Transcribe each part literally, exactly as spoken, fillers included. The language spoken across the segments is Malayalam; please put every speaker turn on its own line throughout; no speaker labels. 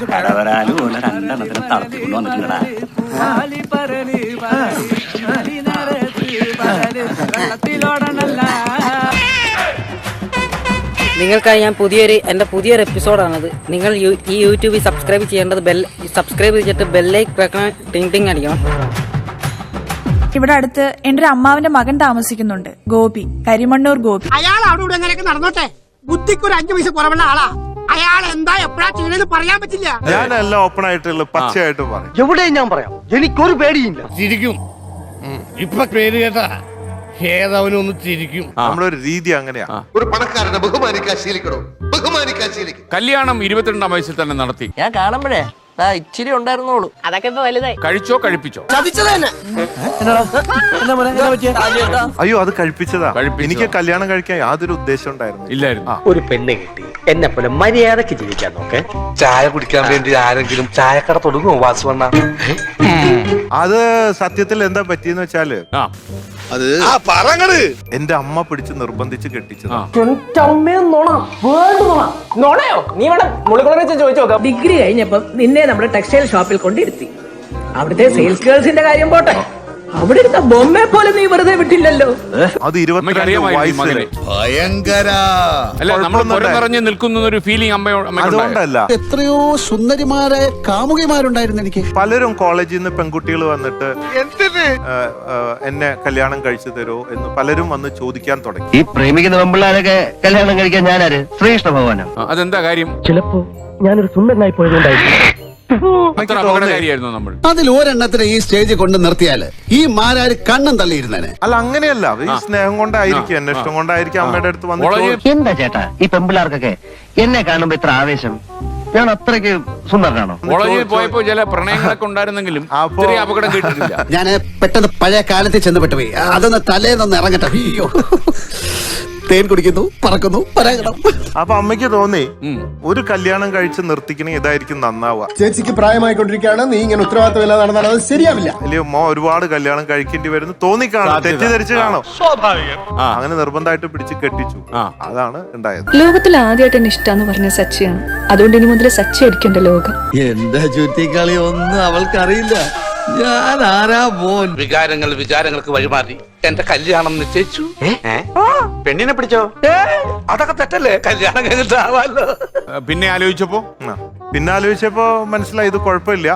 കടവരാലും രണ്ടെണ്ണത്തിന് തളർത്തിക്കൊണ്ട് വന്നിട്ടുണ്ടടാ.
നിങ്ങൾക്കായി ഞാൻ പുതിയൊരു എൻ്റെ പുതിയൊരു എപ്പിസോഡാണത്. നിങ്ങൾ ഈ യൂട്യൂബിൽ സബ്സ്ക്രൈബ് ചെയ്യേണ്ടത് ബെൽ സബ്സ്ക്രൈബ് ചെയ്തിട്ട് ബെല്ലൈക്ക് വെക്കണം, ടിങ് ടിങ് അടിക്കണം.
ഇവിടെ അടുത്ത് എന്റെ ഒരു അമ്മാവിന്റെ മകൻ താമസിക്കുന്നുണ്ട്, ഗോപി, കരിമണ്ണൂർ ഗോപി.
അയാൾ അവിടെ ഇവിടെ എങ്ങനെയൊക്കെ നടന്നോട്ടെ, ബുദ്ധിക്ക് ഒരു അഞ്ചു പൈസ കുറവുള്ള ആളാ. അയാൾ എന്താ എപ്പോഴാ ചെയ്യണെന്ന് പറയാൻ പറ്റില്ല.
ഞാനെല്ലാം ഓപ്പൺ ആയിട്ടുള്ള പച്ചയായിട്ട് പറയും.
എവിടെയും ഞാൻ പറയാം, എനിക്കൊരു പേടിയില്ല.
ചിരിക്കും ഇപ്പൊ പേര് കേട്ടാ ഏതവനൊന്ന് ചിരിക്കും.
നമ്മുടെ ഒരു രീതി അങ്ങനെയാ.
ഒരു പണക്കാരനെ ബഹുമാനിക്കാൻ ശീലിക്കണോ, ബഹുമാനിക്കാൻ ശീലിക്കും.
കല്യാണം ഇരുപത്തിരണ്ടാം വയസ്സിൽ തന്നെ നടത്തി.
ഞാൻ കാണുമ്പോഴേ ഇച്ചിരി ഉണ്ടായിരുന്നോളൂ, അതൊക്കെ ഇപ്പൊ വലുതായി.
കഴിച്ചോ കഴിപ്പിച്ചോ?
അയ്യോ അത് കഴിപ്പിച്ചതാ. എനിക്ക് കല്യാണം കഴിക്കാൻ യാതൊരു ഉദ്ദേശം ഉണ്ടായിരുന്നു
ഇല്ലായിരുന്നു.
ഒരു പെണ്ണ് കിട്ടി, എന്നെ പോലെ മര്യാദക്ക് ജീവിക്കാൻ നോക്കെ. ചായ കുടിക്കാൻ വേണ്ടി ആരെങ്കിലും ചായക്കട തുടങ്ങുമോ വാസുവണ്ണ?
അത് സത്യത്തിൽ എന്താ പറ്റിയെന്ന് വെച്ചാല്
അത്
എന്റെ അമ്മ പിടിച്ച് നിർബന്ധിച്ച് കെട്ടിച്ചതാ.
നീ വേണം മുളികുളം വെച്ച് ചോദിച്ചു നോക്കാം.
ഡിഗ്രി കഴിഞ്ഞപ്പം നിന്നെ നമ്മുടെ ടെക്സ്റ്റൈൽ ഷോപ്പിൽ കൊണ്ടിരുത്തി. അവിടുത്തെ സെയിൽസ് ഗേൾസിന്റെ കാര്യം പോട്ടെ, അവിടെ ഇരുന്ന ബൊമ്മയെ പോലെ നീ വെറുതെ വിട്ടില്ലല്ലോ.
അത് ഇരുപത്തിരണ്ട് വയസ്സില്
ഭയങ്കര
അല്ല, നമ്മൾ നിറഞ്ഞു നിൽക്കുന്ന ഒരു ഫീലിംഗ് അമ്മ.
അതുകൊണ്ടല്ല,
എത്രയോ സുന്ദരിമാരെ കാമുകിമാരുണ്ടായിരുന്നു എനിക്ക്.
പലരും കോളേജിൽ നിന്ന് പെൺകുട്ടികൾ വന്നിട്ട് എന്നെ കല്യാണം കഴിച്ചു തരോ എന്ന് പലരും വന്ന് ചോദിക്കാൻ തുടങ്ങി.
ഈ പ്രേമിക്കുന്ന പെമ്പിള്ളാരൊക്കെ കല്യാണം കഴിക്കാൻ ഞാനാര്? ശ്രീകൃഷ്ണ ഭഗവാനോ?
അതെന്താ കാര്യം?
ചിലപ്പോ ഞാനൊരു സുന്ദരനായി പോയതുകൊണ്ടായിരിക്കും.
നമ്മൾ
അതിൽ ഒരെണ്ണത്തിന് ഈ സ്റ്റേജിൽ കൊണ്ട് നിർത്തിയാല് ഈ മാരാര് കണ്ണും തള്ളിയിരുന്നേ.
അല്ല അങ്ങനെയല്ല, ഈ സ്നേഹം കൊണ്ടായിരിക്കും, എന്നെ ഇഷ്ടം കൊണ്ടായിരിക്കും അമ്മയുടെ അടുത്ത് വന്നിട്ട്.
എന്താ ചേട്ടാ ഈ പെമ്പിള്ളാർക്കൊക്കെ എന്നെ കാണുമ്പോ ഇത്ര ആവേശം? ഞാൻ അത്രയ്ക്ക് സുന്ദരനാണോ?
കോളേജിൽ പോയപ്പോ ചില പ്രണയങ്ങളൊക്കെ ഉണ്ടായിരുന്നെങ്കിലും അപകടം കേട്ടിട്ടില്ല.
ഞാൻ പെട്ടെന്ന് പഴയ കാലത്തിൽ ചെന്നപ്പെട്ടു പോയി. അതൊന്ന് തലേന്നൊന്ന് ഇറങ്ങട്ടെ. അയ്യോ, തേൻ കുടിക്കുന്നു, പറക്കുന്നു, പരാഗണം.
അപ്പൊ അമ്മയ്ക്ക് തോന്നി ഒരു കല്യാണം കഴിച്ച് നിർത്തിക്കണേ ഇതായിരിക്കും നന്നാവുക.
ചേച്ചിക്ക് പ്രായമായിക്കൊണ്ടിരിക്കുകയാണ്, നീ ഇങ്ങനെ ഉത്തരവാദിത്തമില്ലാതെ നടന്നാൽ അത് ശരിയാവില്ല.
അല്ലയോ മോ ഒരുപാട് കല്യാണം കഴിക്കേണ്ടി വരുന്നു തോന്നിക്കാണോ, തെറ്റിദ്ധരിച്ച് കാണോ. അങ്ങനെ നിർബന്ധമായിട്ട് പിടിച്ച് കെട്ടിച്ചു. അതാണ് ഉണ്ടായത്.
ലോകത്തിൽ ആദ്യമായിട്ട് എന്നെ ഇഷ്ടാന്ന് പറഞ്ഞ സച്ചിയാണ്. അതുകൊണ്ട് ഇനി മുതൽ സച്ചി അടിക്കേണ്ട ലോകം.
എന്താ ചുറ്റിക്കളി ഒന്നും അവൾക്കറിയില്ല. ഞാൻ ആരാ മോൻ?
വികാരങ്ങൾ വിചാരങ്ങൾക്ക് വഴിമാറി എന്റെ കല്യാണം നിശ്ചയിച്ചു. പെണ്ണിനെ പിടിച്ചോ? അതൊക്കെ തെറ്റല്ലേ? കല്യാണം കഴിഞ്ഞിട്ടാവാലോ.
പിന്നെ ആലോചിച്ചപ്പോ
പിന്നെ ആലോചിച്ചപ്പോ മനസ്സിലായി ഇത് കുഴപ്പമില്ല,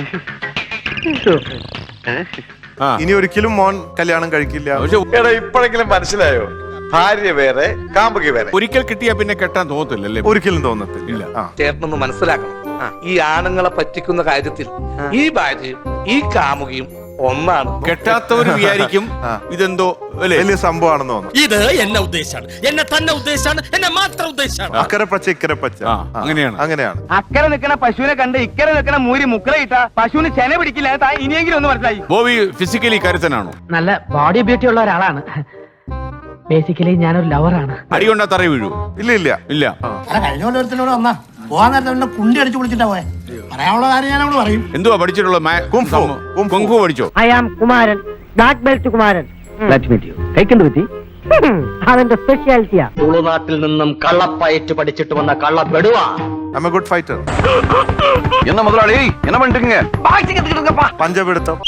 ഇനി ഒരിക്കലും മോൻ കല്യാണം കഴിക്കില്ല.
ഇപ്പോഴെങ്കിലും മനസ്സിലായോ? ഭാര്യ വേറെ, കാമുകി വേറെ.
ഒരിക്കൽ കിട്ടിയാ പിന്നെ കെട്ടാൻ തോന്നത്തില്ലല്ലേ?
ഒരിക്കലും തോന്നത്തില്ല.
ചേട്ടനൊന്ന് മനസ്സിലാക്കണം, ഈ ആണുങ്ങളെ പറ്റിക്കുന്ന കാര്യത്തിൽ ഈ ഭാര്യയും ഈ കാമുകിയും ഒന്നാണ്.
കെട്ടാത്തവര് വിചാരിക്കും ഇതെന്തോ
വലിയ സംഭവമാണെന്ന് തോന്നുന്നു.
ഇത് എന്നെ ഉദ്ദേശാണ്, എന്നെ തന്നെ ഉദ്ദേശാണ്, എന്നെ മാത്രം ഉദ്ദേശാണ്.
അക്കരെ പച്ച ഇക്കരെ പച്ച,
അങ്ങനെയാണ്
അങ്ങനെയാണ്.
അക്കരെ നിൽക്കണ പശുവിനെ കണ്ട് ഇക്കരെ നിൽക്കണ മൂരി മുക്കറയിട്ട പശുവിന് ചെന പിടിക്കില്ല. ഇനിയെങ്കിലും ഒന്ന് മനസ്സിലായി.
ബോബി ഫിസിക്കലി കരുത്തനാണോ?
നല്ല ബോഡി ബ്യൂട്ടി ഉള്ള ഒരാളാണ്. ബേസിക്കലി ഞാനൊരു ലവറാണ്.
അടികൊണ്ടാ തറ വീഴൂ?
ഇല്ല ഇല്ല
ഇല്ല.
കഴിഞ്ഞ പോലെ ഒരുത്തനോട് വന്നാ പോവാൻ നേരത്തെ കുണ്ടി അടിച്ചു വിളിച്ചിട്ടാ പോയെ. പറയാനുള്ള കാര്യം ഞാൻ അവിടെ പറയും.
എന്തുവാ പഠിച്ചിട്ടുള്ള? കുംഫു പഠിച്ചോ?
I am Kumaran, black belt Kumaran. കഴിക്കേണ്ടി പറ്റി അതെന്റെ സ്പെഷ്യാലിറ്റിയാ. തുളുനാട്ടിൽ നിന്നും കള്ളപ്പയറ്റ് പഠിച്ചിട്ട് വന്ന കള്ളപ്പെടുവാ.
I am a good fighter.
എന്നാ മുതലാളി എന്നാ പണ്ടിരിക്കീங்க?
പഞ്ചപിടുത്തം.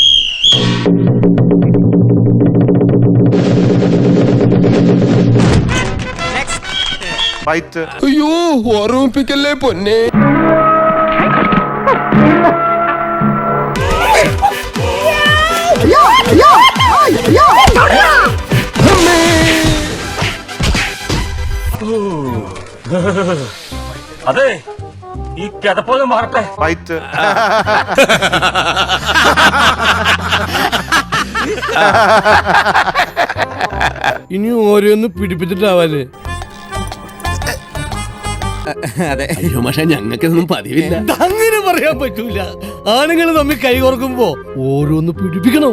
ഫൈറ്റ്.
അയ്യോ, ഓർമ്മിപ്പിക്കല്ലേ പൊന്നെ.
അതെ, ഈ കിതപ്പൊന്നും മാറട്ടെ.
ഫൈറ്റ്.
ഇനി ഓരോന്ന് പിടിപ്പിച്ചിട്ടാവാല്.
അതെ, പക്ഷെ ഞങ്ങൾക്കൊന്നും പതിവില്ല.
അങ്ങനെ പറയാൻ പറ്റൂല. ആണുങ്ങൾ തമ്മിൽ കൈ കോർക്കുമ്പോ ഓരോന്ന് പിടിപ്പിക്കണം.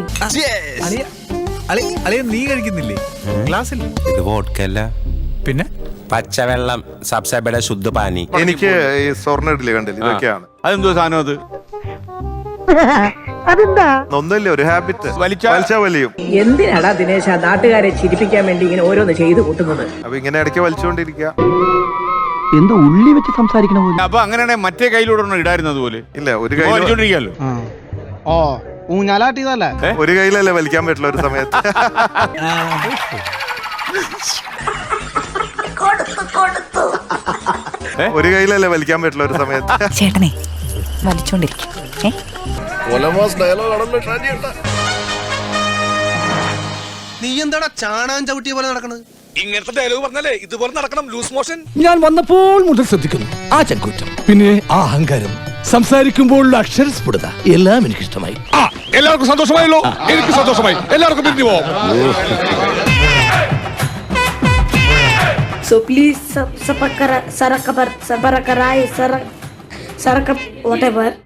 നീ കഴിക്കുന്നില്ലേ ഗ്ലാസ്സിൽ? ഇത് വോഡ്കല്ല, പിന്നെ പച്ചവെള്ളം, സബ്സബയുടെ ശുദ്ധ പാനി.
എനിക്ക് ഈ സ്വർണ്ണ ഇഡ്ഡലി കണ്ടില്ല, ഇതൊക്കെയാണ്.
അതെന്തോ സാധനം അത്?
അതെന്താ?
ഒന്നുമില്ല, ഒരു ഹാബിറ്റ്. വലിച്ചാ വലിയും.
എന്തിനാടാ ദിനേശ നാട്ടുകാരെ ചിരിപ്പിക്കാൻ വേണ്ടി ഇങ്ങനെ ഓരോന്ന് ചെയ്തു കൂട്ടുന്നത്?
അപ്പൊ ഇങ്ങനെ ഇടയ്ക്ക് വലിച്ചുകൊണ്ടിരിക്കുക.
എന്ത് ഉള്ളി വെച്ച് സംസാരിക്കണ പോലെ.
അപ്പൊ അങ്ങനെയാണെങ്കിൽ മറ്റേ കയ്യിലൂടെ ഒന്നും ഇടായിരുന്നത് പോലെ
ഇല്ല ഒരു കൈ
വലിച്ചോണ്ടിരിക്കാലോ.
ഓ ഊഞ്ഞാലാട്ടിയതല്ലേ?
ഒരു കയ്യിലല്ലേ വലിക്കാൻ പറ്റില്ല ഒരു സമയത്ത്. ഒരു കയ്യിലല്ലേ വലിക്കാൻ പറ്റില്ല ഒരു സമയത്ത്.
ചേട്ടനെ വലിച്ചോണ്ടിരിക്കും.
നീ എന്താടാ ചാണാൻ ചവിട്ടിയ പോലെ നടക്കണത്? ഇങ്ങനത്തെ ഡയലോഗ് പറഞ്ഞാലേ ഇതുപോലെ നടക്കണം. Loose motion.
ഞാൻ വന്നപ്പോൾ മുതൽ ശ്രദ്ധിക്കുന്നു ആ ചങ്കൂറ്റം, പിന്നെ ആ അഹങ്കാരം, സംസാരിക്കുമ്പോഴുള്ള അക്ഷരസ്ഫുടത എല്ലാം എനിക്ക് ഇഷ്ടമായി.
എല്ലാവർക്കും സന്തോഷമായല്ലോ. എനിക്ക് സന്തോഷമായി. എല്ലാവർക്കും പിരിഞ്ഞു പോവാം.
So please sub, sub, sub, sub, sub, sub, sub, sub, sub, sub, whatever.